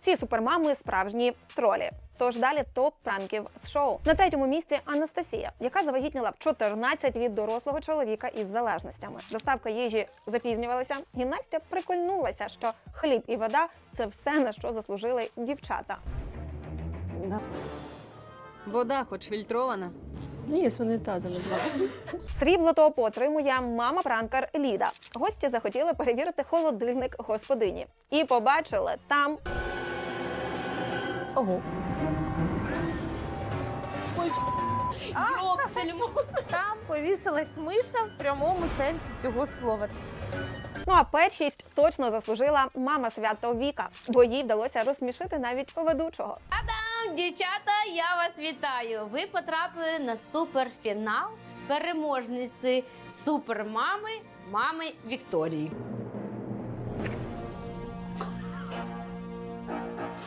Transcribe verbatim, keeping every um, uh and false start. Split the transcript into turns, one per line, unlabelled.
Ці супермами – справжні тролі. Тож далі топ пранків з шоу. На третьому місці Анастасія, яка завагітніла в чотирнадцять від дорослого чоловіка із залежностями. Доставка їжі запізнювалася, і Настя прикольнулася, що хліб і вода – це все, на що заслужили дівчата.
Вода хоч фільтрована.
Ні, з унітазу не було.
Срібло топу отримує мама-пранкер Ліда. Гості захотіли перевірити холодильник господині. І побачили там...
Ого.
Йопсельмо!
Там повісилась миша в прямому сенсі цього слова.
Ну а першість точно заслужила мама свято Віка, бо їй вдалося розсмішити навіть ведучого.
Дівчата, я вас вітаю! Ви потрапили на суперфінал переможниці супермами, мами Вікторії.